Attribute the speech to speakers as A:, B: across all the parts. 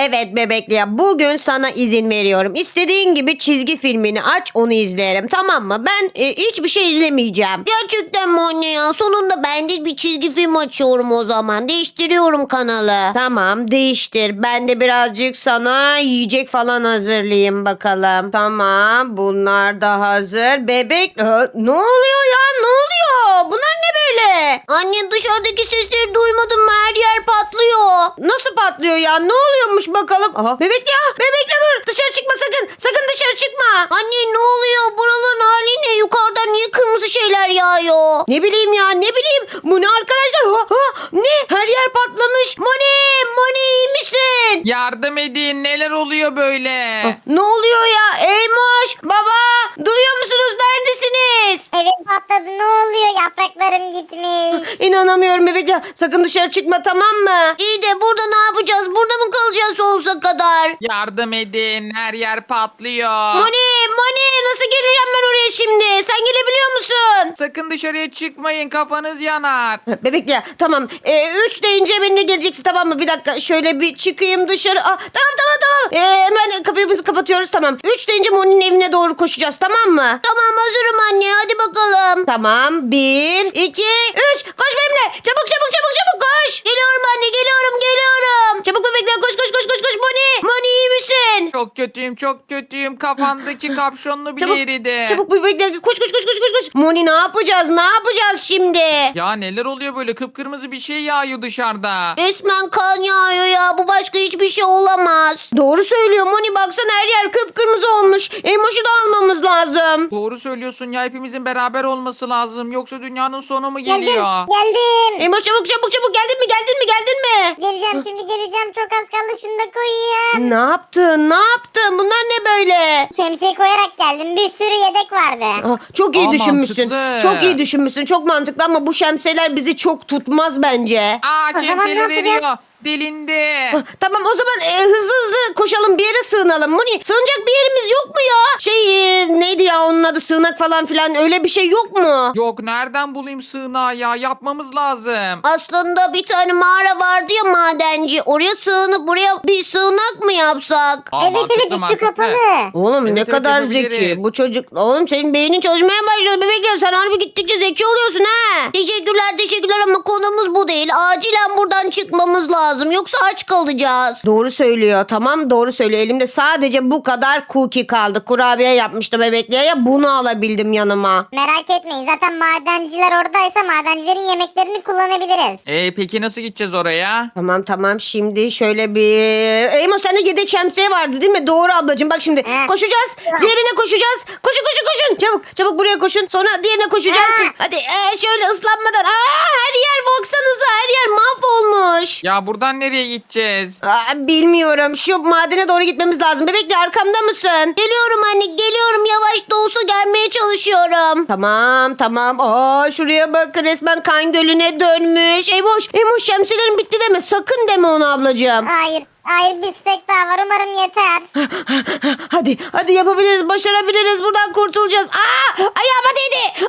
A: Evet bebekli ya, bugün sana izin veriyorum. İstediğin gibi çizgi filmini aç, onu izleyelim, tamam mı? Ben hiçbir şey izlemeyeceğim. Gerçekten mi anne ya? Sonunda ben de bir çizgi film açıyorum o zaman. Değiştiriyorum kanalı. Tamam, değiştir. Ben de birazcık sana yiyecek falan hazırlayayım bakalım. Tamam, bunlar da hazır. Bebek ne oluyor ya? Ne oluyor? Bunlar ne böyle? Anne, dışarıdaki sesleri duymadın mı? Her yer patlıyor. Nasıl patlıyor ya? Ne oluyormuş bakalım? Aha, bebek ya. Bebek ya, dur. Dışarı çıkma sakın. Sakın dışarı çıkma. Anne, ne oluyor? Buraların hali ne? Yukarıdan niye kırmızı şeyler yağıyor? Ne bileyim ya, ne bileyim. Bu ne arkadaşlar? Ne? Her yer patlamış. Moni iyi misin?
B: Yardım edin, neler oluyor böyle?
A: Ne oluyor ya? Eymoş, baba, duyuyor musunuz? Neredesiniz?
C: Evim patladı, ne oluyor? Yapraklarım gitmiş.
A: İnanamıyorum bebek ya. Sakın dışarı çıkma, tamam mı? İyi de burada ne yapacağız? Burada mı kalacağız sonsuza kadar?
B: Yardım edin, her yer patlıyor.
A: Moni nasıl geleceğim ben oraya şimdi? Sen gelebiliyor musun?
B: Sakın dışarıya çıkmayın, kafanız yanar.
A: Bebek ya, tamam. 3 deyince benimle geleceksin, tamam mı? Bir dakika şöyle bir çıkayım dışarı. Tamam. Hemen kapımızı kapatıyoruz, tamam. 3 deyince Moni'nin evine doğru koşacağız, tamam mı? Tamam, hazırım anne, hadi bakalım. Tamam, 1, 2, 3. Koş benimle. Çabuk koş. Geliyorum anne, geliyorum. Çabuk bebekler, koş. Moni iyi misin?
B: Çok kötüyüm. Kafamdaki kapşonlu bile eridi.
A: Çabuk bebekler, koş. Moni ne yapacağız şimdi?
B: Ya neler oluyor böyle? Kıpkırmızı bir şey yağıyor dışarıda.
A: Resmen kan yağıyor ya. Bu başka hiçbir şey olamaz. Doğru söylüyor Moni. Baksana, her yer kıpkırmızı olmuş. Emoş'u da almamız lazım.
B: Doğru söylüyorsun ya, hepimizin beraber olması lazım. Yoksa dünyanın sonu mu
C: Geldim.
B: geliyor?
A: Emoş çabuk. Geldin mi?
C: Geleceğim şimdi, çok az kaldı, şunu da koyayım.
A: Ne yaptın? Bunlar ne böyle?
C: Şemsiye koyarak geldim, bir sürü yedek vardı.
A: Çok iyi
B: Aa,
A: düşünmüşsün.
B: mantıklı.
A: Çok iyi düşünmüşsün. Çok mantıklı ama bu şemsiyeler bizi çok tutmaz bence.
B: Aa,
C: O zaman ne
B: şemsiyeler
C: yapacağız?
B: eriyor. Delindi.
A: Tamam, o zaman hızlı koşalım, bir yere sığınalım. Moni, sığınacak bir yerimiz yok mu ya? Neydi ya onun adı, sığınak falan filan, öyle bir şey yok mu?
B: Yok, nereden bulayım sığınağı ya? Yapmamız lazım.
A: Aslında bir tane mağara vardı ya, madenci. Oraya sığınıp buraya bir sığınak mı yapsak?
B: Aa,
C: Evet, üstü kapalı.
A: Oğlum
B: Evet,
A: ne
B: evet,
A: kadar
B: yapabiliriz.
A: zeki bu çocuk. Oğlum senin beynin çalışmaya başlıyor bebekler. Sen harbi gittikçe zeki oluyorsun ha. Teşekkürler ama konumuz bu değil. Acilen buradan çıkmamız lazım. Yoksa aç kalacağız. Doğru söylüyor. Tamam, doğru söylüyor. Elimde sadece bu kadar cookie kaldı. Kurabiye yapmıştım bebekliğe, ya bunu alabildim yanıma.
C: Merak etmeyin, zaten madenciler oradaysa madencilerin yemeklerini kullanabiliriz.
B: Peki nasıl gideceğiz oraya?
A: Tamam, şimdi şöyle bir... Eymo, sende yedek şemsiye vardı değil mi? Doğru ablacığım, bak şimdi
C: He.
A: koşacağız. Diğerine koşacağız. Koşun. Çabuk buraya koşun. Sonra diğerine koşacağız.
C: Ha.
A: Hadi şöyle ıslanmadan. Her yer, baksanıza, her yer mahvolmuş.
B: Ya buradan nereye gideceğiz?
A: Bilmiyorum. Şu madene doğru gitmemiz lazım. Bebekle, arkamda mısın? Geliyorum anne, geliyorum. Yavaş da olsa gelmeye çalışıyorum. Tamam. Şuraya bak, resmen kan gölüne dönmüş. Eymoş, şemsiyelerin bitti deme. Sakın deme onu ablacığım.
C: Hayır, bir stek daha var, umarım yeter.
A: Hadi yapabiliriz, başarabiliriz. Buradan kurtulacağız. Ayağıma değdi.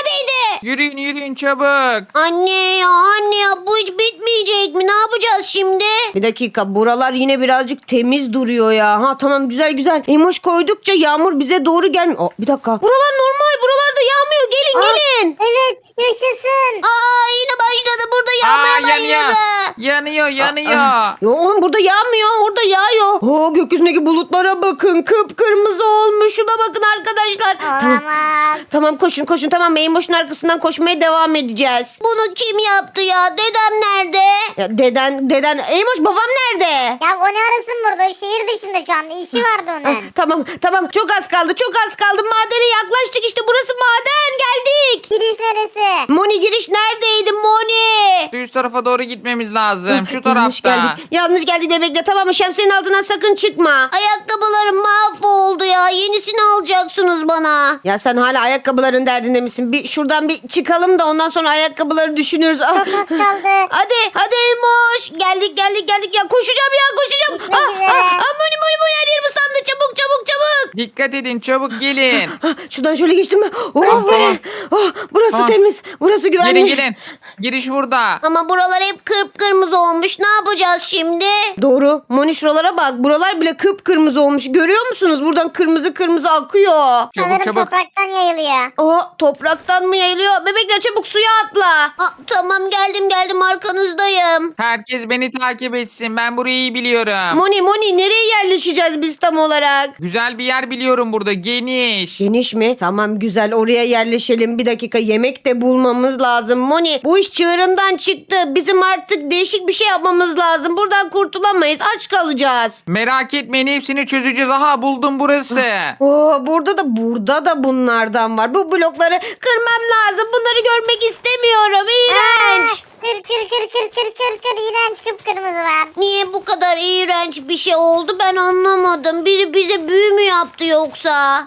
B: Yürüyün çabuk.
A: Anne ya, bu hiç bitmeyecek mi? Ne yapacağız şimdi? Bir dakika, buralar yine birazcık temiz duruyor ya. Tamam, güzel. Emoş koydukça yağmur bize doğru gelmiyor. Bir dakika. Buralar normal. Buralarda yağmıyor. Gelin.
C: Evet, yaşasın.
A: Yine başladı. Burada yağmaya başladı.
B: Yanıyor.
A: Ya oğlum, burada yağmıyor. Orada yağıyor. Gökyüzündeki bulutlara bakın. Kıpkırmızı olmuş. Şuna bakın arkadaşlar.
C: Olamaz.
A: Tamam, koşun. Tamam, Eymoş'un arkasından koşmaya devam edeceğiz. Bunu kim yaptı ya? Dedem nerede? Ya deden. Eymoş, babam nerede?
C: Ya o ne arasın burada? O şehir dışında şu anda. İşi vardı onun.
A: Tamam. Çok az kaldı. Madene yaklaştık. İşte burası maden. Geldik.
C: Giriş neresi?
A: Moni, giriş neredeydi Moni?
B: Üst tarafa doğru gitmemiz lazım. Şu
A: Yanlış
B: tarafta.
A: geldik. Yanlış geldik bebekle. Tamam mı? Şemsiyenin altından sakın çıkma. Ayakkabılarım mahvoldu ya. Yenisini alacaksınız bana. Ya sen hala ayakkabıların derdinde misin? Şuradan bir çıkalım da ondan sonra ayakkabıları düşünürüz.
C: Çok az kaldı.
A: Hadi Emoş. Geldik ya. Koşacağım.
C: Gitmek üzere.
A: Moni, her yerim ıslandı. Çabuk.
B: Dikkat edin çabuk gelin.
A: Şuradan şöyle geçtim mi? Oh
B: Tamam,
A: be.
B: tamam.
A: Oh, burası
B: Tamam.
A: temiz. Burası güvenli.
B: Gelin gelin. Giriş burada.
A: Ama buralar hep kıpkırmızı olmuş. Ne yapacağız şimdi? Doğru. Moni şuralara bak. Buralar bile kıpkırmızı olmuş. Görüyor musunuz? Buradan kırmızı kırmızı akıyor.
B: Çabuk
C: Sanırım
B: çabuk.
C: topraktan yayılıyor.
A: Aa, topraktan mı yayılıyor? Bebekler çabuk suya atla. Tamam geldim arkanızdayım.
B: Herkes beni takip etsin. Ben burayı iyi biliyorum.
A: Moni nereye yerleşeceğiz biz tam olarak?
B: Güzel bir yer biliyorum burada. Geniş.
A: Geniş mi? Tamam güzel oraya yerleşelim. Bir dakika yemek de bulmamız lazım. Moni bu iş çığırından çıktı. Bizim artık değişik bir şey yapmamız lazım. Buradan kurtulamayız. Aç kalacağız.
B: Merak etmeyin hepsini çözeceğiz. Aha buldum burası.
A: Oo, burada da bunlardan var. Bu blokları kırmam lazım. Bunları görmek istemiyorum. İğrenç.
C: Kır. İğrenç kıpkırmızı var.
A: Niye bu kadar iğrenç bir şey oldu ben anlamadım. Biri bize büyü mü yaptı yoksa?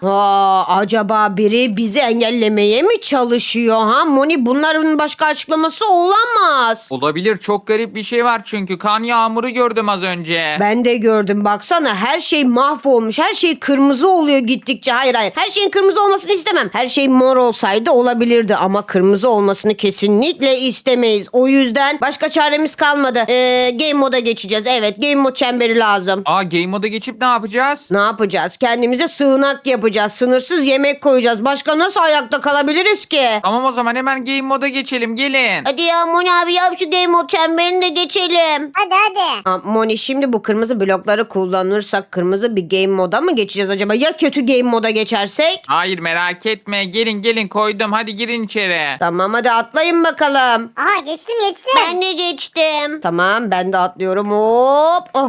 A: Acaba biri bizi engellemeye mi çalışıyor ha? Moni bunların başka açıklaması olamaz.
B: Olabilir. Çok garip bir şey var çünkü. Kan yağmuru gördüm az önce.
A: Ben de gördüm baksana her şey mahvolmuş. Her şey kırmızı oluyor gittikçe. Hayır. Her şeyin kırmızı olmasını istemem. Her şey mor olsaydı olabilirdi ama kırmızı olmasını kesinlikle istemeyiz. O yüzden başka çaremiz kalmadı. Game moda geçeceğiz. Evet game mod çemberi lazım.
B: Aa game moda geçip ne yapacağız?
A: Ne yapacağız? Kendimize sığınak yapacağız. Sınırsız yemek koyacağız. Başka nasıl ayakta kalabiliriz ki?
B: Tamam o zaman hemen game moda geçelim. Gelin.
A: Hadi ya Moni abi yap şu game mod çemberini de geçelim.
C: Hadi.
A: Moni şimdi bu kırmızı blokları kullanırsak kırmızı bir game moda mı geçeceğiz acaba? Ya kötü game moda geçersek?
B: Hayır merak etme. Gelin koydum. Hadi girin içeri.
A: Tamam hadi atlayın bakalım.
C: Aha geçtim.
A: Ben de geçtim. Tamam ben de atlıyorum hop. Oh,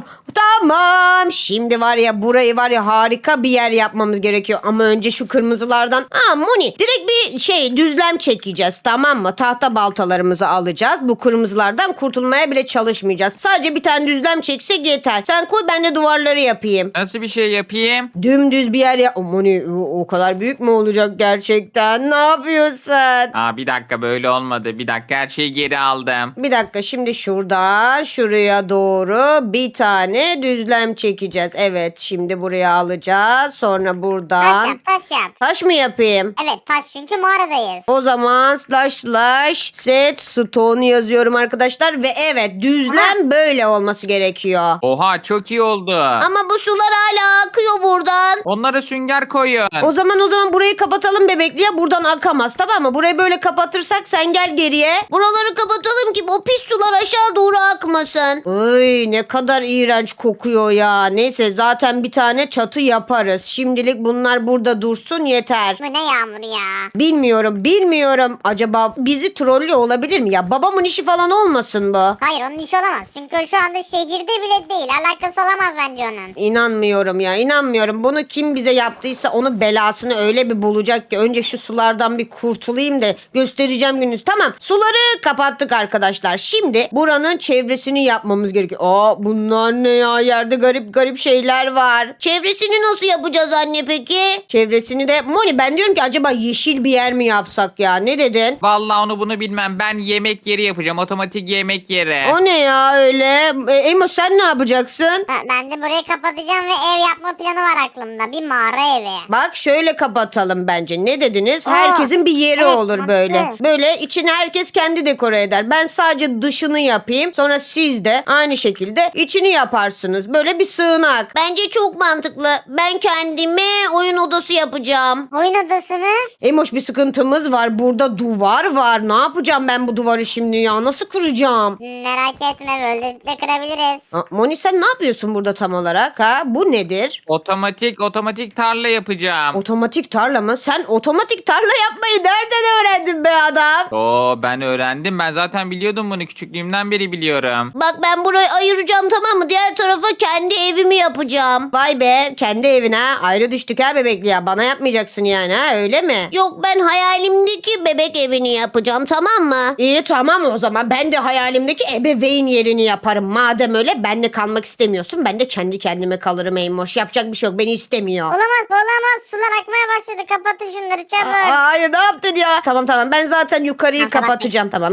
A: tamam. Şimdi var ya burayı var ya harika bir yer yapmamız gerekiyor. Ama önce şu kırmızılardan. Moni direkt bir düzlem çekeceğiz tamam mı? Tahta baltalarımızı alacağız. Bu kırmızılardan kurtulmaya bile çalışmayacağız. Sadece bir tane düzlem çeksek yeter. Sen koy ben de duvarları yapayım.
B: Nasıl bir şey yapayım?
A: Dümdüz bir yer yap. Moni o kadar büyük mü olacak gerçekten? Ne yapıyorsun?
B: Bir dakika böyle olmadı. Bir dakika her şeyi geri aldım.
A: Bir dakika şimdi şuradan şuraya doğru bir tane düzlem çekeceğiz. Evet şimdi buraya alacağız. Sonra buradan.
C: Taş yap.
A: Taş mı yapayım?
C: Evet taş çünkü mağaradayız.
A: O zaman slash set stone yazıyorum arkadaşlar. Ve evet düzlem böyle olması gerekiyor.
B: Oha çok iyi oldu.
A: Ama bu sular hala akıyor buradan.
B: Onlara sünger koyun.
A: O zaman burayı kapatalım bebekli ya buradan akamaz tamam mı? Burayı böyle kapatırsak sen gel geriye. Buraları kapatalım ki o pis sular aşağı doğru akmasın. Ay ne kadar iğrenç kokuyor ya. Neyse zaten bir tane çatı yaparız. Şimdilik bunlar burada dursun yeter.
C: Bu ne yağmur ya.
A: Bilmiyorum. Acaba bizi trollüyor olabilir mi ya? Babamın işi falan olmasın bu.
C: Hayır onun işi olamaz. Çünkü o şu anda şehirde bile değil. Alakası olamaz bence onun.
A: İnanmıyorum. Bunu kim bize yaptıysa onun belasını öyle bir bulacak ki önce şu sulardan bir kurtulayım da göstereceğim gününüz. Tamam suları kapattık arkadaşlar. Şimdi buranın çevresini yapmamız gerekiyor. Bunlar ne ya yerde garip şeyler var. Çevresini nasıl yapacağız anne peki? Çevresini de Moni ben diyorum ki acaba yeşil bir yer mi yapsak ya ne dedin?
B: Vallahi onu bunu bilmem. Ben yemek yeri yapacağım. Otomatik yemek yeri.
A: O ne ya öyle? Emo sen ne yapacaksın?
C: Ben de burayı kapatacağım ve ev yapma planı var aklımda. Bir mağara evi.
A: Bak şöyle kapatalım bence. Ne dediniz? Herkesin bir yeri
C: evet,
A: olur
C: mantıklı.
A: böyle. Böyle içini herkes kendi dekore eder. Ben sadece dışını yapayım. Sonra siz de aynı şekilde içini yaparsınız. Böyle bir sığınak. Bence çok mantıklı. Ben kendime oyun odası yapacağım.
C: Oyun odası mı?
A: Emoş bir sıkıntımız var. Burada duvar var. Ne yapacağım ben bu duvarı şimdi ya? Nasıl kıracağım?
C: Merak etme böyle de kırabiliriz.
A: Moni sen ne yapıyorsun burada tam olarak? Ha? Bu nedir?
B: Otomatik tarla yapacağım.
A: Otomatik tarla mı? Sen otomatik tarla yapmayı nereden öğrendin be adam?
B: Ben öğrendim. Ben zaten biliyordum bunu. Küçüklüğümden beri biliyorum.
A: Bak ben burayı ayıracağım tamam mı? Diğer tarafa kendi evimi yapacağım. Vay be kendi evine ayrı düştük ha bebekli ya. Bana yapmayacaksın yani ha öyle mi? Yok ben hayalimdeki bebek evini yapacağım tamam mı? İyi tamam o zaman ben de hayalimdeki ebeveyn yerini yaparım. Madem öyle benle kalmak istemiyorsun ben de kendi kendime kalırım Eymoş. Yapacak bir şey yok beni istemiyor.
C: Olamaz. Sular akmaya başladı. Kapatın şunları çabuk.
A: Hayır ne yaptın ya? Tamam ben zaten yukarıyı
C: Ha, tamam.
A: kapatacağım tamam güzel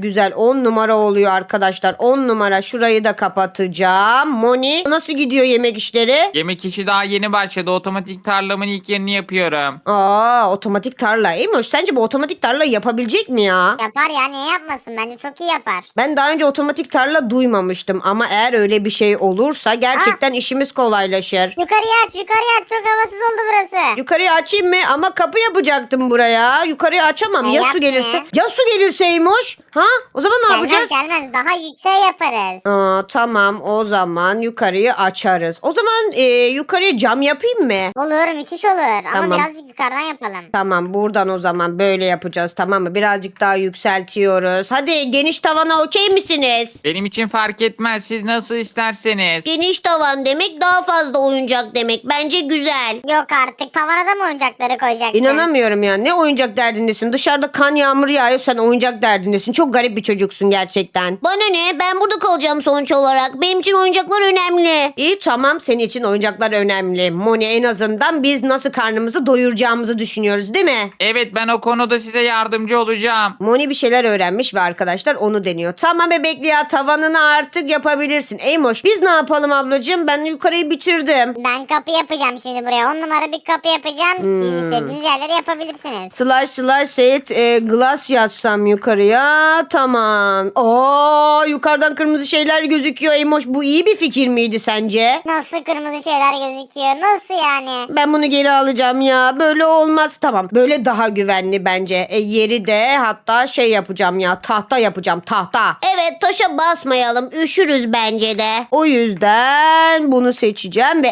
A: güzel 10 numara oluyor arkadaşlar. 10 numara, şurayı da kapatacağım. Moni nasıl gidiyor yemek işleri?
B: Yemek işi daha yeni başladı. Otomatik tarlamın ilk yerini yapıyorum.
A: Otomatik tarla. Eymoş, sence bu otomatik tarla yapabilecek mi ya?
C: Yapar ya, niye yapmasın, bence çok iyi yapar.
A: Ben daha önce otomatik tarla duymamıştım ama eğer öyle bir şey olursa gerçekten işimiz kolaylaşır.
C: Yukarıya aç, çok havasız oldu burası.
A: Yukarıya açayım mı? Ama kapı yapacaktım buraya. Yukarıya açamam. Ya su
C: yapma.
A: gelirse? Ya su gelirse Eymoş? Ha? O zaman ne yapacağız?
C: Gelmez, daha yüksek yaparız.
A: Tamam, o zaman yukarıyı açarız. O zaman yukarıya cam yapayım mı?
C: Olur, müthiş olur
A: Tamam.
C: ama birazcık yukarıdan yapalım.
A: Tamam, buradan o zaman böyle yapacağız, tamam mı? Birazcık daha yükseltiyoruz. Hadi, geniş tavana okey misiniz?
B: Benim için fark etmez. Siz nasıl isterseniz.
A: Geniş tavan demek daha fazla oyuncak demek. Bence güzel.
C: Yok artık, tavana da mı oyuncakları koyacaksın?
A: İnanamıyorum ya. Ne oyuncak derdindesin? Dışarıda kan yağmur yağıyor, sen oyuncak derdindesin. Çok garip bir çocuksun gerçekten. Bana ne? Ben burada kalacağım sonuç olarak. Benim için oyuncaklar önemli. İyi, tamam, senin için oyuncaklar önemli. Moni, en azından biz nasıl karnımızı doyuracağımızı düşünüyoruz, değil mi?
B: Evet, ben o konuda size yardımcı olacağım.
A: Moni bir şeyler öğrenmiş ve arkadaşlar onu deniyor. Tamam bebekli ya, tavanını artık yapabilirsin. Eymoş, biz ne yapalım ablacığım? Ben yukarıyı bitirdim.
C: Ben kapı yapacağım şimdi buraya. 10 numara bir kapı yapacağım. Siz istediğiniz yerleri yapabilirsiniz.
A: Slash set glass yazsam yukarıya. Tamam. Yukarıdan kırmızı şeyler gözüküyor. Eymoş, bu iyi bir fikir miydi sence?
C: Nasıl kırmızı şeyler gözüküyor? Nasıl yani?
A: Ben bunu geri alacağım ya. Böyle olmaz. Tamam. Böyle daha güvenli bence. Yeri de hatta şey yapacağım ya. Tahta yapacağım. Tahta. Evet, taşa basmayalım. Üşürüz bence de. O yüzden bunu seçeceğim ve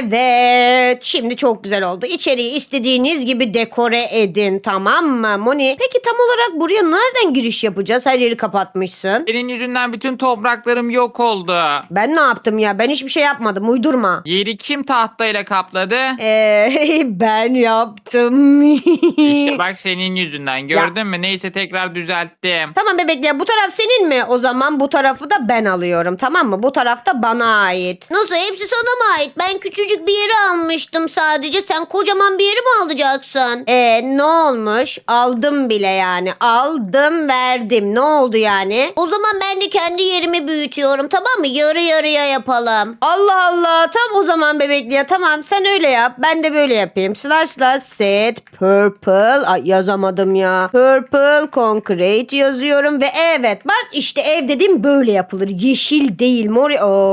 A: evet. Şimdi çok güzel oldu. İçeriği istediğiniz gibi dekore edin. Tamam mı Moni? Peki tam olarak buraya nereden giriş yapacağız? Her yeri kapatmışsın.
B: Senin yüzünden bütün topraklarım yok oldu.
A: Ben ne yaptım ya? Ben hiçbir şey yapmadım. Uydurma.
B: Yeri kim tahtayla kapladı?
A: Ben yaptım.
B: İşte bak, senin yüzünden. Gördün mü? Neyse, tekrar düzelttim.
A: Tamam bebek ya, bu taraf senin mi? O zaman bu tarafı da ben alıyorum, tamam mı? Bu taraf da bana ait. Nasıl, hepsi sana mı ait? Ben küçücük bir yeri almıştım sadece. Sen kocaman bir yeri mi alacaksın? Ne olmuş? Aldım bile yani. Aldım, verdim. Ne oldu yani? O zaman ben de kendi yerimi büyütüyorum, tamam mı? Yarı yarıya yapalım. Allah Allah. Tam o zaman bebekli ya, tamam, sen öyle yap. Ben de böyle yapayım. Slash set purple. Ay, yazamadım ya. Purple concrete yazıyorum ve evet, bak işte ev dedim böyle yapılır. Yeşil değil, mor.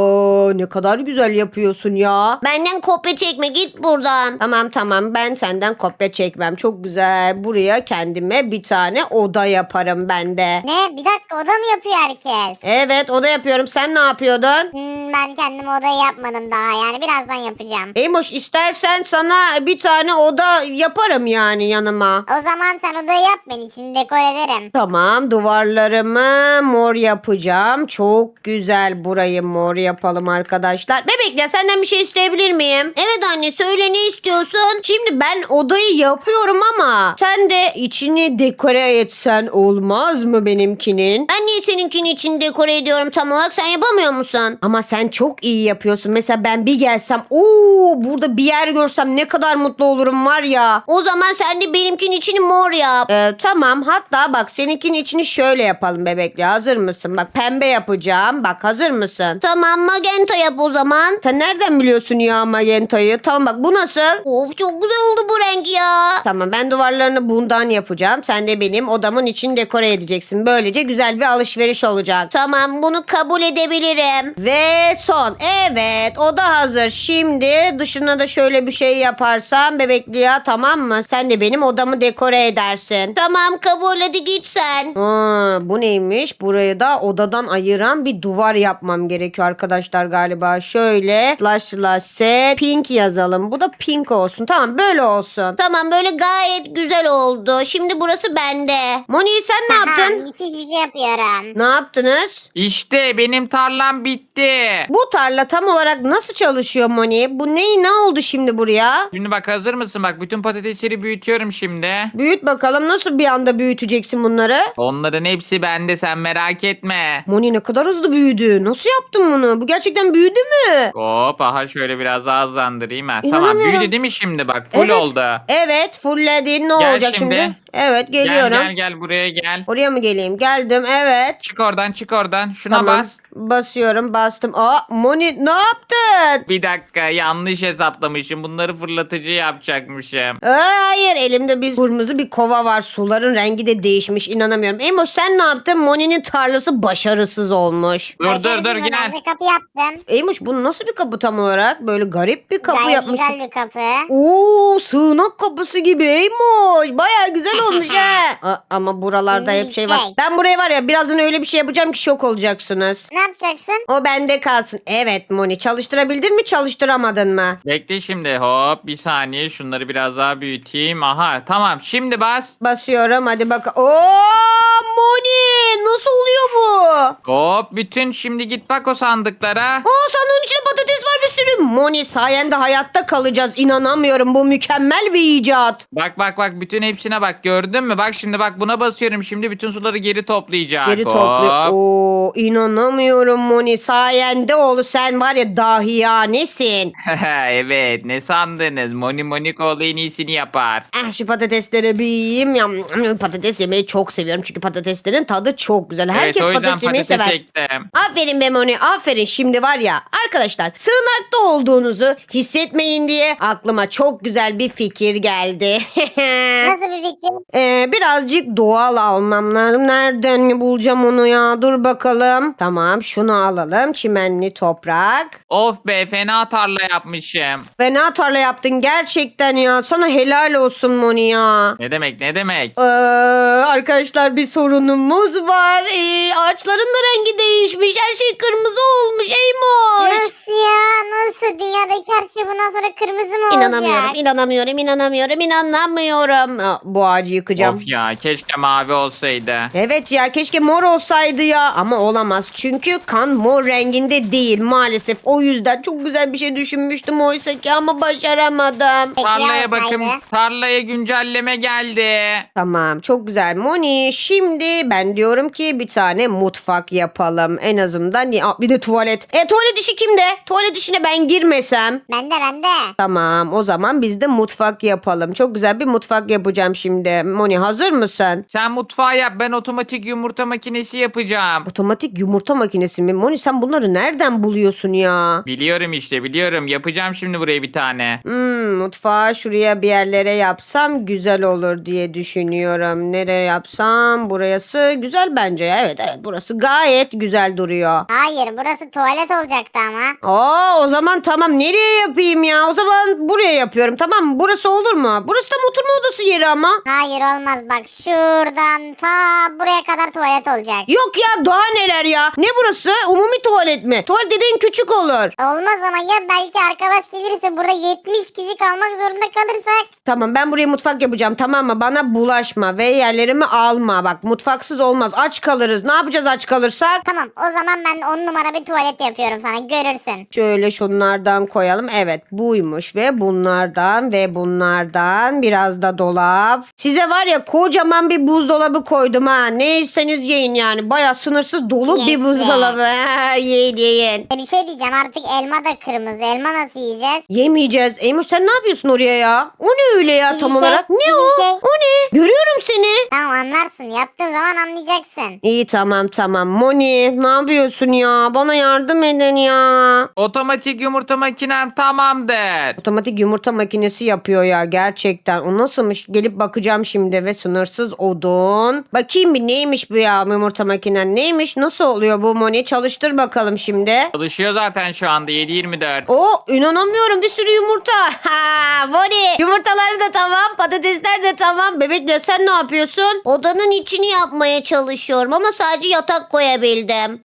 A: Ne kadar güzel yapıyorsun ya. Benden kopya çekme, git buradan. Tamam, ben senden kopya çekmem. Çok güzel. Buraya kendime bir tane oda yaparım ben de.
C: Ne? Bir dakika, oda mı yapıyor herkes?
A: Evet, oda yapıyorum. Sen ne yapıyordun?
C: Ben kendime odayı yapmadım daha, yani birazdan yapacağım.
A: Eymoş, istersen sana bir tane oda yaparım yani yanıma.
C: O zaman sen odayı yap, ben içini dekor ederim.
A: Tamam, duvarlarımı mor yapacağım. Çok güzel, burayı mor yapalım arkadaşlar. Bebekle, senden bir şey isteyebilir miyim? Evet anne, söyle, ne istiyorsun? Şimdi ben odayı yapıyorum ama sen de içini dekore etsen olmaz mı benimkinin? Ben niye seninkinin içini dekore ediyorum tam olarak, sen yapamıyor musun? Ama sen çok iyi yapıyorsun. Mesela ben bir gelsem, burada bir yer görsem ne kadar mutlu olurum var ya. O zaman sen de benimkinin içini mor yap. Tamam, hatta bak seninkinin içini şöyle yapalım bebekle. Hazır mısın? Bak, pembe yapacağım. Bak, hazır mısın? Tamam, magenta yap o zaman. Sen nereden biliyorsun ya magentayı? Tamam, bak bu nasıl? Of, çok güzel oldu bu renk ya. Tamam, ben duvarlarını bundan yapacağım. Sen de benim odamın içini dekore edeceksin. Böylece güzel bir alışveriş olacak. Tamam, bunu kabul edebilirim. Ve son. Evet, oda hazır. Şimdi dışına da şöyle bir şey yaparsam bebekli ya, tamam mı? Sen de benim odamı dekore edersin. Tamam, kabul, hadi git sen. Bu neymiş? Burayı da odadan ayıran bir duvar yapmam gerekiyor arkadaşlar galiba. Şöyle slash set pink yazalım. Bu da pink olsun. Tamam, böyle olsun. Tamam, böyle gayet güzel oldu. Şimdi burası bende. Moni, sen ne yaptın?
C: Müthiş bir şey yapıyorum.
A: Ne yaptınız?
B: İşte benim tarlam bitti.
A: Bu tarla tam olarak nasıl çalışıyor Moni? Bu ne oldu şimdi buraya?
B: Şimdi bak, hazır mısın? Bak, bütün patatesleri büyütüyorum şimdi.
A: Büyüt bakalım, nasıl bir anda büyüteceksin bunları?
B: Onların hepsi bende, sen merak etme.
A: Moni, ne kadar hızlı büyüdü. Nasıl yaptın bunu? Bu gerçekten büyüdü mü?
B: Hop, aha şöyle biraz daha hızlandırayım ha. Tamam,
A: İnanamıyorum.
B: büyüdü değil mi şimdi? Bak, full
A: Evet.
B: oldu.
A: Evet, fullledin. Ne
B: Gel
A: olacak şimdi?
B: şimdi.
A: Evet, geliyorum.
B: Gel buraya gel.
A: Oraya mı geleyim? geleyim. Geldim evet.
B: Çık oradan çık oradan. Şuna
A: Tamam.
B: bas.
A: Basıyorum bastım. Aa Moni ne yaptın?
B: Bir dakika yanlış hesaplamışım. Bunları fırlatıcı yapacakmışım.
A: Hayır elimde bir kırmızı bir kova var. Suların rengi de değişmiş inanamıyorum. Emoş sen ne yaptın? Moni'nin tarlası başarısız olmuş.
B: Dur dur
C: Başarısız
B: gel.
C: ben de kapı yaptım.
A: Emoş bu nasıl bir kapı tam olarak? Böyle garip bir kapı
C: Gayet
A: yapmışsın.
C: güzel bir kapı.
A: Oo sığınak kapısı gibi Eymoş. Baya güzel olmuş ha. Ama buralarda hep şey var.
C: Şey.
A: Ben buraya var ya birazdan öyle bir şey yapacağım ki şok olacaksınız.
C: Ne yapacaksın?
A: O bende kalsın. Evet Moni çalıştırabildin mi çalıştıramadın mı?
B: Bekle şimdi hop bir saniye şunları biraz daha büyüteyim. Aha tamam şimdi bas.
A: Basıyorum hadi bak. Oo Moni nasıl oluyor bu?
B: Hop bütün şimdi git bak o sandıklara.
A: Aa sandığın içinde patates var bir sürü. Moni sayende hayatta kalacağız. İnanamıyorum bu mükemmel bir icat.
B: Bak bak bak bütün hepsine bak gördün mü? Bak şimdi bak buna basıyorum şimdi bütün suları geri toplayacak.
A: Geri
B: Hop.
A: topluyor. Oo inanamıyorum Moni sayende oldu sen var ya dahiyanesin.
B: Evet ne sandınız? Moni Monikoğlu en iyisini yapar.
A: Ah şu patatesleri bir yiyeyim. Patates yemeyi çok seviyorum çünkü patateslerin tadı çok güzel. Herkes
B: evet o yüzden
A: patates yemeyi
B: patates
A: sever.
B: ektim.
A: Aferin be Moni aferin. Şimdi var ya arkadaşlar sığınakta olduğunuzu hissetmeyin diye aklıma çok güzel bir fikir geldi.
C: Nasıl bir fikir?
A: Birazcık doğal almam lazım. Nereden bulacağım onu ya? Dur bakalım. Tamam şunu alalım. Çimenli toprak.
B: Of be fena tarla yapmışım.
A: Fena tarla yaptın gerçekten ya. Sana helal olsun Moni ya.
B: Ne demek ne demek?
A: Arkadaşlar bir sorunumuz var. Ağaçların da rengi değişmiş. Her şey kırmızı olmuş. Eymoş.
C: Nasıl ya? Nasıl? Dünyadaki her şey bundan sonra kırmızı mı olacak?
A: İnanamıyorum. Bu ağacı yıkacağım.
B: Of ya keşke mavi olsaydı.
A: Evet ya keşke mor olsaydı ya ama olamaz çünkü kan mor renginde değil maalesef o yüzden çok güzel bir şey düşünmüştüm oysa ki ama başaramadım.
C: Peki
B: Tarlaya
C: ya
B: bakın.
C: olsaydı?
B: Tarlaya güncelleme geldi.
A: Tamam çok güzel Moni şimdi ben diyorum ki bir tane mutfak yapalım en azından bir de tuvalet. Tuvalet işi kimde? Tuvalet işine ben girmesem.
C: Bende.
A: Tamam o zaman biz de mutfak yapalım. Çok güzel bir mutfak yapacağım şimdi. Moni hazır mısın?
B: Sen mutfağı yap ben otomatik yumurta makinesi yapacağım.
A: Otomatik yumurta makinesi mi? Moni sen bunları nereden buluyorsun ya?
B: Biliyorum işte biliyorum. Yapacağım şimdi buraya bir tane.
A: Mutfağı şuraya bir yerlere yapsam güzel olur diye düşünüyorum. Nereye yapsam? Burası güzel bence. Evet burası gayet güzel duruyor.
C: Hayır burası tuvalet olacaktı ama.
A: O zaman tamam nereye yapayım ya? O zaman buraya yapıyorum tamam mı? Burası olur mu? Burası tam oturma odası yeri ama.
C: Hayır olmaz bak şuradan ta buraya kadar tuvalet olacak.
A: Yok ya daha neler ya? Ne burası? Umumi tuvalet mi? Tuvalet dediğin küçük olur.
C: Olmaz ama ya belki arkadaş gelirse burada 70 kişi kalmak zorunda kalırsak.
A: Tamam ben buraya mutfak yapacağım tamam mı? Bana bulaşma ve yerlerimi alma. Bak mutfaksız olmaz aç kalırız. Ne yapacağız aç kalırsak?
C: Tamam o zaman ben 10 numara bir tuvalet yapıyorum sana görürsün.
A: Şöyle şunlardan koyalım. Evet buymuş ve bunlardan biraz da dolap. Size var ya kocaman bir buzdolabı koydum ha. Ne isteniz yiyin yani. Baya sınırsız dolu bir
C: Yes,
A: buzdolabı. Yiyin.
C: Bir şey diyeceğim artık elma da kırmızı. Elma nasıl yiyeceğiz?
A: Yemeyeceğiz. Eymuş sen ne yapıyorsun oraya ya? O ne öyle ya
C: İyi
A: tam
C: bir şey,
A: olarak? Ne
C: iyi
A: o?
C: bir şey.
A: O ne? Görüyorum seni.
C: Tamam anlarsın. Yaptığın zaman anlayacaksın.
A: İyi tamam. Moni ne yapıyorsun ya? Bana yardım edin ya.
B: Otomatik yumurta makinem tamamdır.
A: Otomatik yumurta makinesi yapıyor ya gerçekten. O nasılmış? Gelip bakacağım şimdi ve sınırsız odun. Bakayım bir neymiş bu ya yumurta makinen neymiş? Nasıl oluyor bu Moni? Çalıştır bakalım şimdi.
B: Çalışıyor zaten şu anda 7/24.
A: İnanamıyorum bir sürü yumurta. Ha Moni yumurtaları da tamam patatesler de tamam. Bebekle sen ne yapıyorsun? Odanın içini yapmaya çalışıyorum ama sadece yatak koyabildim.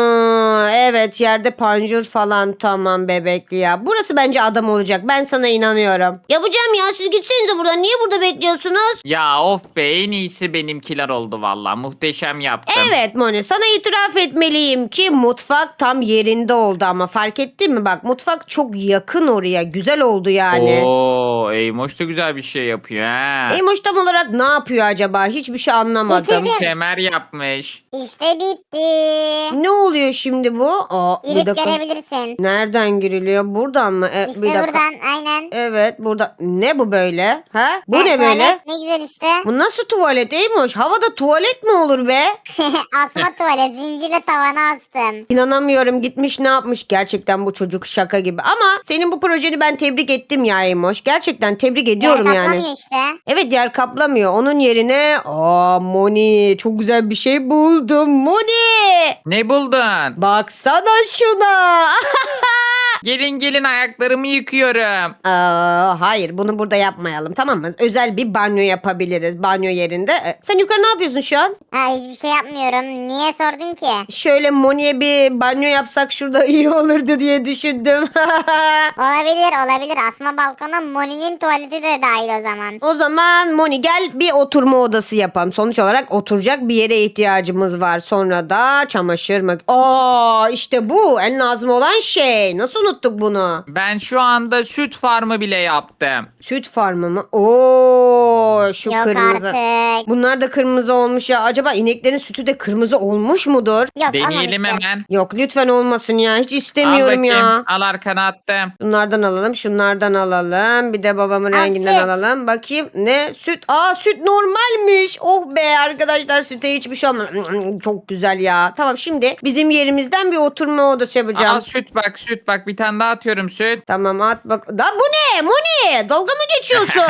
A: Evet yerde panjur falan tamam bebekli ya. Burası bence adam olacak ben sana inanıyorum. Yapacağım ya siz gitsenize buradan niye burada bekliyorsunuz?
B: Ya of be en iyisi benimkiler oldu valla. Muhteşem yaptım.
A: Evet Moni sana itiraf etmeliyim ki mutfak tam yerinde oldu ama fark ettin mi bak mutfak çok yakın oraya güzel oldu yani.
B: Oo, Eymoş da güzel bir şey yapıyor ha.
A: Eymoş tam olarak ne yapıyor acaba hiçbir şey anlamadım.
C: Bitirdim.
B: Kemer yapmış.
C: İşte bitti.
A: Ne oluyor şimdi bu? Bir
C: Girip
A: dakika.
C: görebilirsin.
A: Nereden giriliyor? Buradan mı?
C: İşte
A: Bir dakika.
C: buradan aynen.
A: Evet burada. Ne bu böyle? Ha? Bu
C: Ha,
A: ne böyle?
C: tuvalet, ne güzel işte.
A: Bu nasıl tuvalet Eymoş? Havada tuvalet mi olur be?
C: Asma tuvalet zincirle tavana astım.
A: İnanamıyorum, gitmiş ne yapmış, gerçekten bu çocuk şaka gibi. Ama senin bu projeni ben tebrik ettim ya Eymoş. Gerçekten tebrik ediyorum
C: Yer
A: yani.
C: kaplamıyor işte.
A: Evet, yer kaplamıyor. Onun yerine Moni çok güzel bir şey buldum. Moni!
B: Ne buldun?
A: Baksana şuna.
B: Gelin ayaklarımı yıkıyorum.
A: Hayır, bunu burada yapmayalım, tamam mı? Özel bir banyo yapabiliriz banyo yerinde. Sen yukarı ne yapıyorsun şu an?
C: Ha, hiçbir şey yapmıyorum. Niye sordun ki?
A: Şöyle Moni'ye bir banyo yapsak şurada iyi olurdu diye düşündüm.
C: Olabilir. Asma balkona Moni'nin tuvaleti de dahil o zaman.
A: O zaman Moni gel bir oturma odası yapalım. Sonuç olarak oturacak bir yere ihtiyacımız var. Sonra da çamaşır işte bu en lazım olan şey. Nasıl unuttuk bunu?
B: Ben şu anda süt farmı bile yaptım.
A: Süt farmı mı? Oo, şu
C: Yok
A: kırmızı.
C: artık.
A: Bunlar da kırmızı olmuş ya. Acaba ineklerin sütü de kırmızı olmuş mudur?
C: Yok
B: Deneyelim
C: olmamıştır.
B: hemen.
A: Yok lütfen olmasın ya. Hiç
B: Al
A: istemiyorum
B: bakayım.
A: ya.
B: Al arkana attım.
A: Bunlardan alalım, şunlardan alalım. Bir de babamın
C: Aa,
A: renginden
C: süt.
A: alalım. Bakayım ne? Süt. Süt normalmiş. Oh be arkadaşlar, süte hiçbir şey olmaz. Çok güzel ya. Tamam, şimdi bizim yerimizden bir oturma odası yapacağım.
B: Al süt bak bir tane daha atıyorum süt.
A: Tamam, at bak. Da bu ne? Moni, dalga mı geçiyorsun?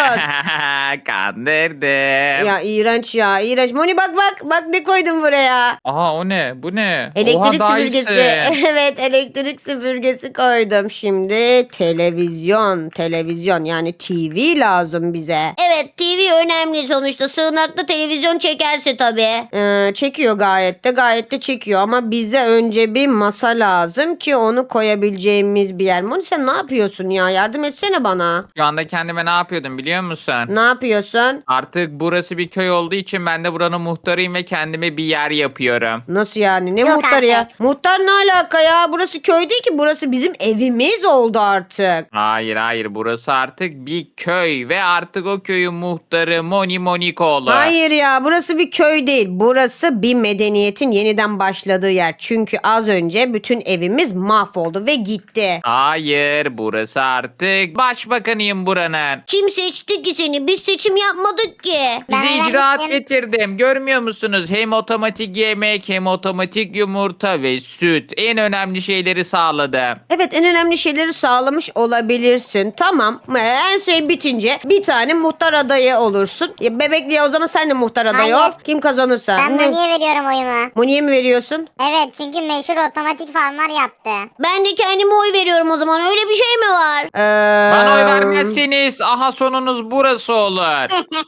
B: Kandırdım.
A: Ya iğrenç ya, iğrenç. Moni bak ne koydum buraya.
B: Aha o ne? Bu ne?
A: Elektrik
B: Oha,
A: süpürgesi.
B: Dyson.
A: Evet, elektrik süpürgesi koydum. Şimdi televizyon yani TV lazım bize. Evet, TV önemli sonuçta. Sığınakta televizyon çekerse tabii. Çekiyor gayet de çekiyor ama bize önce bir masa lazım ki onu koyabileceğimiz bir yer. Moni sen ne yapıyorsun ya? Yardım etsene bana.
B: Şu anda kendime ne yapıyordum biliyor musun?
A: Ne yapıyorsun?
B: Artık burası bir köy olduğu için ben de buranın muhtarıyım ve kendime bir yer yapıyorum.
A: Nasıl yani? Ne
C: Yok
A: muhtarı ya?
C: artık.
A: Muhtar ne alaka ya? Burası köy değil ki. Burası bizim evimiz oldu artık.
B: Hayır burası artık bir köy ve artık o köyün muhtarı Moni Monikoğlu.
A: Hayır ya, burası bir köy değil. Burası bir medeniyetin yeniden başladığı yer. Çünkü az önce bütün evimiz mahvoldu ve gitti.
B: Hayır burası artık başbakanıyım buranın.
A: Kim seçti ki seni? Biz seçim yapmadık ki.
C: Ben
B: Size icraat
C: vermiştim.
B: getirdim. Görmüyor musunuz? Hem otomatik yemek hem otomatik yumurta ve süt. En önemli şeyleri sağladım.
A: Evet, en önemli şeyleri sağlamış olabilirsin. Tamam. En şey bitince bir tane muhtar adayı olursun. Bebekliğe o zaman sen de muhtar adayı ol.
C: Hayır.
A: Kim kazanırsa.
C: Ben Moni'ye veriyorum oyumu.
A: Moni'ye mi veriyorsun?
C: Evet çünkü meşhur otomatik farmlar yaptı.
A: Ben de kendime oy veriyorum o zaman. Öyle bir şey mi var?
B: Bana oy vermezseniz aha sonunuz burası olur.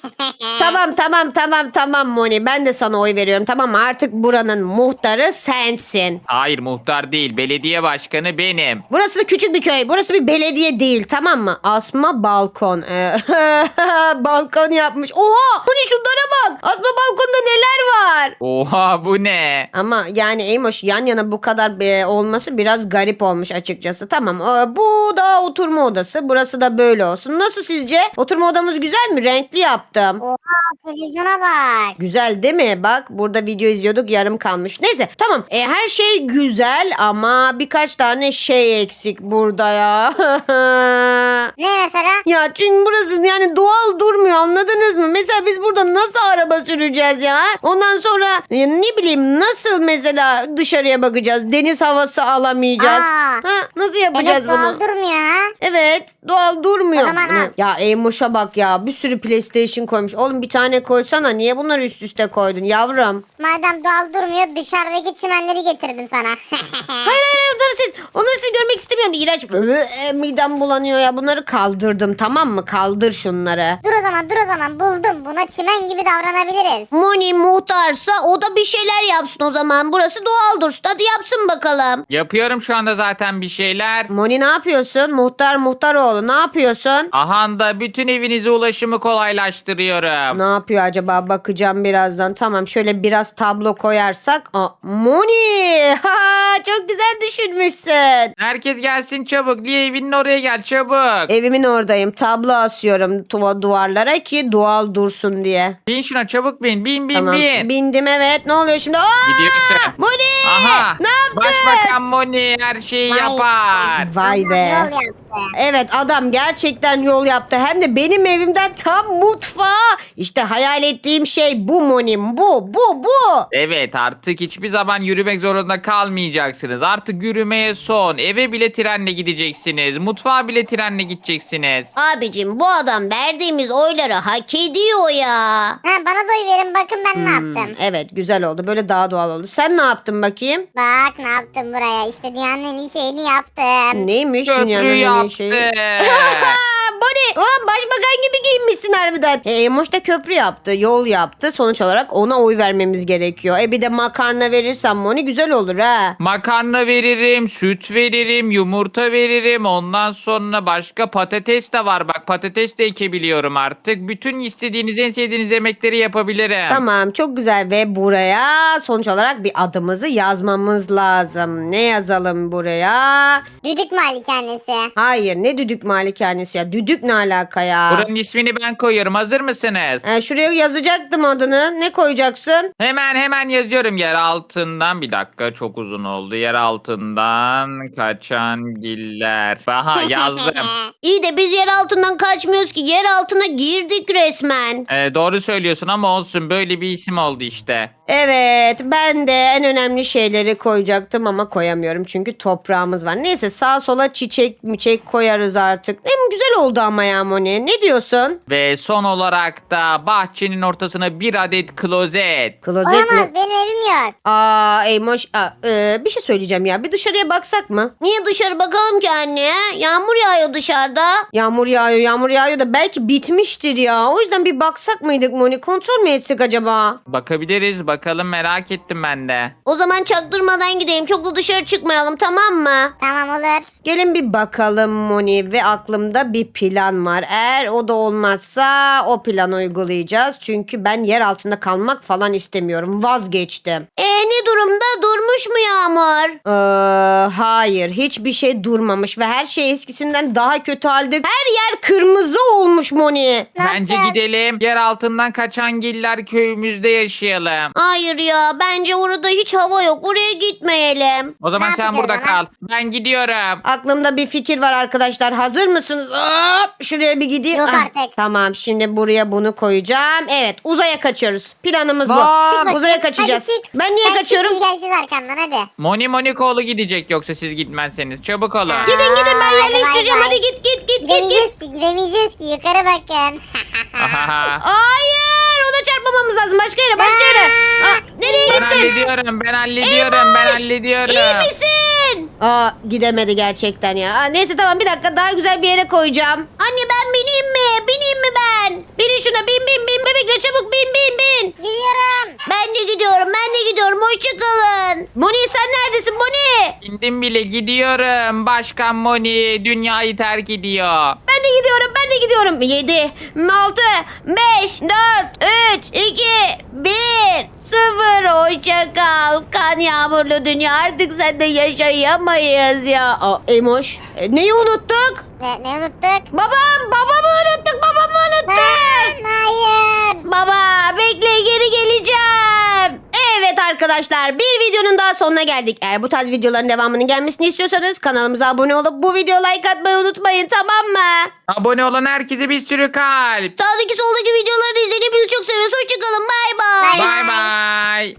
A: Tamam Moni. Ben de sana oy veriyorum. Tamam mı? Artık buranın muhtarı sensin.
B: Hayır muhtar değil. Belediye başkanı benim.
A: Burası da küçük bir köy. Burası bir belediye değil, tamam mı? Asma balkon. Balkon yapmış. Oha! Bu ne, şunlara bak. Asma balkonda neler var?
B: Oha bu ne?
A: Ama yani Eymoş, yan yana bu kadar olması biraz garip olmuş açıkçası. Tamam, bu da oturma odası. Burası da böyle olsun. Nasıl sizce? Oturma odamız güzel mi? Renkli yaptım.
C: Oha televizyona bak.
A: Güzel değil mi? Bak burada video izliyorduk, yarım kalmış. Neyse tamam, her şey güzel ama birkaç tane şey eksik burada ya.
C: Ne mesela?
A: Ya çünkü burası yani doğal durmuyor, anladınız mı? Mesela biz burada nasıl araba süreceğiz ya? Ondan sonra ne bileyim nasıl mesela dışarıya bakacağız? Deniz havası alamayacağız. Nasıl yapacağız
C: Demek doğal
A: bunu?
C: durmuyor ha?
A: Evet, doğal durmuyor.
C: O zaman al.
A: Ya Eymoş'a bak ya, bir sürü PlayStation koymuş. Oğlum bir tane koysana, niye bunları üst üste koydun yavrum?
C: Madem doğal durmuyor dışarıdaki çimenleri getirdim sana.
A: Hayır onları sil görmek istemiyorum. İğrenç. Midem bulanıyor ya, bunları kaldırdım, tamam mı? Kaldır şunları.
C: Dur o zaman buldum. Buna çimen gibi davranabiliriz.
A: Moni muhtarsa o da bir şeyler yapsın o zaman. Burası doğal dursun. Hadi yapsın bakalım.
B: Yapıyorum şu anda zaten bir şeyler.
A: Moni ne yapıyorsun? Muhtaroğlu ne yapıyorsun?
B: Aha da bütün evinize ulaşımı kolaylaştırıyorum.
A: Ne yapıyor acaba? Bakacağım birazdan. Tamam, şöyle biraz tablo koyarsak. Moni! Ha, çok güzel düşünmüşsün.
B: Herkes gelsin çabuk. Lia evinin oraya gel çabuk.
A: Evimin oradayım. Tablo asıyorum duvarlara ki doğal dursun diye.
B: Bin şuna çabuk bin. Bin
A: Tamam.
B: bin.
A: Bindim, evet. Ne oluyor şimdi?
B: Gidiyorsun.
A: Moni!
B: Aha.
A: Ne yaptın?
B: Başbakan Moni her şeyi
C: Vay.
B: yapar.
A: Vay
C: Allah
A: be.
C: yol yaptı.
A: Evet adam gerçekten yol yaptı. Hem de benim evimden tam mutfağa. İşte hayal ettiğim şey bu Moni. Bu.
B: Evet, artık hiçbir zaman yürümek zorunda kalmayacaksınız. Artık yürümeye son. Eve bile trenle gideceksiniz. Mutfağa bile trenle gideceksiniz.
A: Abicim bu adam verdiğimiz oyları hak ediyor ya.
C: Ha, bana da oy verin bakın ben ne yaptım.
A: Evet güzel oldu. Böyle daha doğal oldu. Sen ne yaptın bakayım?
C: Bak ne yaptım buraya. İşte dünyanın en iyi şeyini yaptım.
A: Neymiş
B: Köprü
A: dünyanın en iyi
B: yaptı.
A: şeyi? Bonnie, başbakan gibi giyinmişsin harbiden. Emoş da köprü yaptı, yol yaptı. Sonuç olarak ona oy vermemiz gerekiyor. Bir de makarna verirsen Moni güzel olur ha.
B: Makarna veririm, süt veririm, yumurta veririm. Ondan sonra başka patates de var. Bak patates de ekebiliyorum artık. Bütün istediğiniz, en sevdiğiniz yemekleri yapabilirim.
A: Tamam çok güzel ve buraya sonuç olarak bir adımızı yazmamız lazım. Ne yazalım buraya?
C: Düdük malikanesi.
A: Hayır ne düdük malikanesi ya. Düdük ne alaka ya?
B: Buranın ismini ben koyuyorum. Hazır mısınız?
A: Şuraya yazacaktım adını. Ne koyacaksın?
B: Hemen yazıyorum yer altından. Bir dakika çok uzun oldu. Yer altından kaçan giller. Aha yazdım.
A: İyi de biz yer altından kaçmıyoruz ki. Yer altına girdik resmen.
B: Doğru söylüyorsun ama olsun. Böyle bir isim oldu işte.
A: Evet ben de en önemli şeyleri koyacaktım ama koyamıyorum çünkü toprağımız var. Neyse sağa sola çiçek koyarız artık. Hem güzel oldu ama ya Moni. Ne diyorsun?
B: Ve son olarak da bahçenin ortasına bir adet klozet.
A: Klozet
C: Olamaz
A: mi?
C: benim evim yok.
A: Eymoş. Bir şey söyleyeceğim ya. Bir dışarıya baksak mı? Niye dışarı bakalım ki anne? Yağmur yağıyor dışarıda. Yağmur yağıyor da belki bitmiştir ya. O yüzden bir baksak mıydık Moni? Kontrol mü etsek acaba?
B: Bakabiliriz bakalım, merak ettim ben de.
A: O zaman çaktırmadan gidelim. Çok da dışarı çıkmayalım tamam mı?
C: Tamam olur.
A: Gelin bir bakalım Moni ve aklımda bir plan var. Eğer o da olmazsa o planı uygulayacağız. Çünkü ben yer altında kalmak falan istemiyorum. Vazgeçtim. Ne durumda? Durmuş mu Yağmur? Hayır. Hiçbir şey durmamış ve her şey eskisinden daha kötü halde. Her yer kırmızı olmuş Moni.
C: Ne
B: Bence
C: yapacağız?
B: gidelim. Yer altından kaçan giller köyümüzde yaşayalım.
A: Hayır ya. Bence orada hiç hava yok. Oraya gitmeyelim.
B: O zaman
C: Ne
B: sen
C: yapacağız
B: burada
C: o zaman?
B: kal. Ben gidiyorum.
A: Aklımda bir fikir var arkadaşlar. Hazır mısınız? Hop, şuraya bir gideyim.
C: Yok
A: Ah,
C: artık.
A: Tamam şimdi buraya bunu koyacağım. Evet uzaya kaçıyoruz. Planımız bu.
B: Vay. Çık
C: bakayım.
A: Uzaya kaçacağız.
C: Hadi çık.
A: Ben niye
C: Sen
A: kaçıyorum?
C: çık, biz geleceğiz arkamdan hadi.
B: Moni Monikoğlu gidecek yoksa siz gitmezseniz. Çabuk olun.
A: Gidin ben
C: Hadi
A: yerleştireceğim.
C: bay bay.
A: Hadi git.
C: Gidemeyeceğiz ki yukarı bakın.
B: Ahaha.
A: Hayır ona çarpmamamız lazım. Başka yere. Nereye
B: Ben
A: gittin?
B: hallediyorum. Ben hallediyorum.
A: İyi misin? Gidemedi gerçekten ya. Neyse tamam bir dakika daha güzel bir yere koyacağım. Anne ben bineyim mi? Bineyim mi ben? Binin şuna bin. Bebekle çabuk bin.
C: Gidiyorum.
A: Ben de gidiyorum. Hoşçakalın. Moni sen neredesin Moni?
B: İndim bile, gidiyorum. Başkan Moni dünyayı terk ediyor.
A: Ben de gidiyorum. 7, 6, 5, 4, 3, 2, 1, 0. Hoşça kal. Kan yağmurlu dünya artık sende yaşayamayız ya. Emoş. Neyi unuttuk?
C: Ne unuttuk?
A: Babamı unuttuk.
C: Hayır.
A: Baba bekle geri geleceğim. Evet arkadaşlar bir videonun daha sonuna geldik. Eğer bu tarz videoların devamının gelmesini istiyorsanız kanalımıza abone olup bu videoya like atmayı unutmayın tamam mı?
B: Abone olan herkese bir sürü kalp.
A: Sağdaki soldaki videoları izleyin. Hepinizi çok seviyoruz. Hoşçakalın. Bay bay.
C: Bay
B: Bay bay.